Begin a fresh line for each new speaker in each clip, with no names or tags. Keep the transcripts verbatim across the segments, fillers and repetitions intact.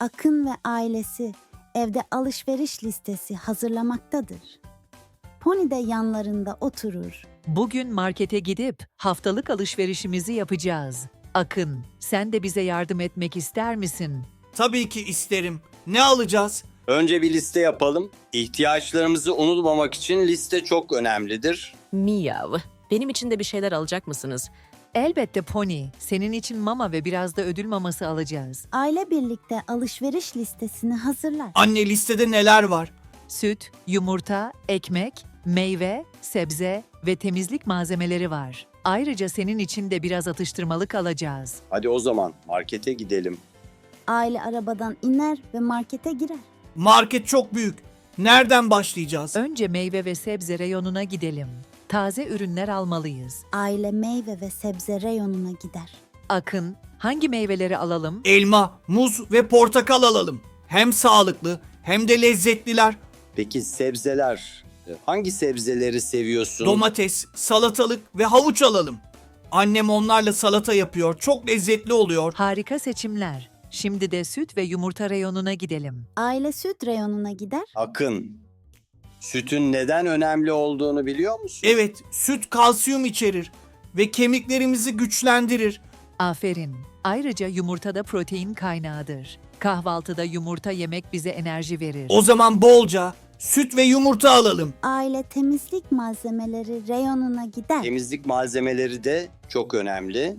Akın ve ailesi evde alışveriş listesi hazırlamaktadır. Pony de yanlarında oturur.
Bugün markete gidip haftalık alışverişimizi yapacağız. Akın, sen de bize yardım etmek ister misin?
Tabii ki isterim. Ne alacağız?
Önce bir liste yapalım. İhtiyaçlarımızı unutmamak için liste çok önemlidir.
Miyav. Benim için de bir şeyler alacak mısınız?
Elbette Pony, senin için mama ve biraz da ödül maması alacağız.
Aile birlikte alışveriş listesini hazırlar.
Anne, listede neler var?
Süt, yumurta, ekmek, meyve, sebze ve temizlik malzemeleri var. Ayrıca senin için de biraz atıştırmalık alacağız.
Hadi o zaman markete gidelim.
Aile arabadan iner ve markete girer.
Market çok büyük. Nereden başlayacağız?
Önce meyve ve sebze reyonuna gidelim. Taze ürünler almalıyız.
Aile meyve ve sebze reyonuna gider.
Akın, hangi meyveleri alalım?
Elma, muz ve portakal alalım. Hem sağlıklı hem de lezzetliler.
Peki sebzeler? Hangi sebzeleri seviyorsun?
Domates, salatalık ve havuç alalım. Annem onlarla salata yapıyor. Çok lezzetli oluyor.
Harika seçimler. Şimdi de süt ve yumurta reyonuna gidelim.
Aile süt reyonuna gider.
Akın, sütün neden önemli olduğunu biliyor musun?
Evet, süt kalsiyum içerir ve kemiklerimizi güçlendirir.
Aferin. Ayrıca yumurta da protein kaynağıdır. Kahvaltıda yumurta yemek bize enerji verir.
O zaman bolca süt ve yumurta alalım.
Aile temizlik malzemeleri reyonuna gider.
Temizlik malzemeleri de çok önemli.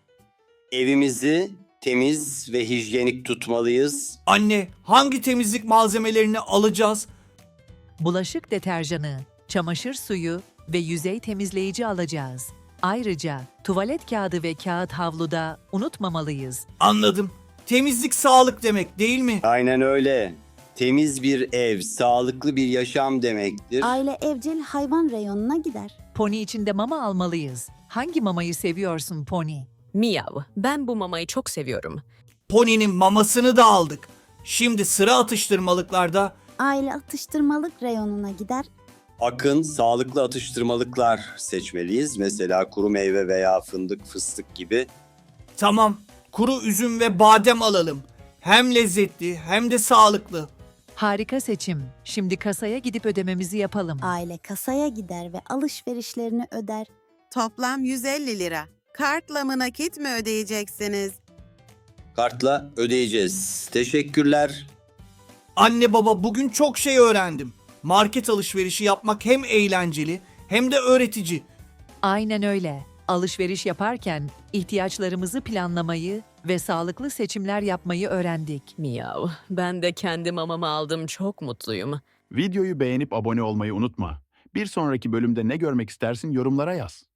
Evimizi temiz ve hijyenik tutmalıyız.
Anne, hangi temizlik malzemelerini alacağız?
Bulaşık deterjanı, çamaşır suyu ve yüzey temizleyici alacağız. Ayrıca tuvalet kağıdı ve kağıt havluda unutmamalıyız.
Anladım. Temizlik sağlık demek, değil mi?
Aynen öyle. Temiz bir ev, sağlıklı bir yaşam demektir.
Aile evcil hayvan reyonuna gider.
Pony için de mama almalıyız. Hangi mamayı seviyorsun Pony?
Miyav. Ben bu mamayı çok seviyorum.
Pony'nin mamasını da aldık. Şimdi sıra atıştırmalıklarda.
Aile atıştırmalık reyonuna gider.
Akın, sağlıklı atıştırmalıklar seçmeliyiz. Mesela kuru meyve veya fındık, fıstık gibi.
Tamam, kuru üzüm ve badem alalım. Hem lezzetli hem de sağlıklı.
Harika seçim. Şimdi kasaya gidip ödememizi yapalım.
Aile kasaya gider ve alışverişlerini öder.
Toplam yüz elli lira. Kartla mı nakit mi ödeyeceksiniz?
Kartla ödeyeceğiz. Teşekkürler.
Anne baba, bugün çok şey öğrendim. Market alışverişi yapmak hem eğlenceli hem de öğretici.
Aynen öyle. Alışveriş yaparken ihtiyaçlarımızı planlamayı ve sağlıklı seçimler yapmayı öğrendik.
Miyav. Ben de kendi mamamı aldım. Çok mutluyum.
Videoyu beğenip abone olmayı unutma. Bir sonraki bölümde ne görmek istersin yorumlara yaz.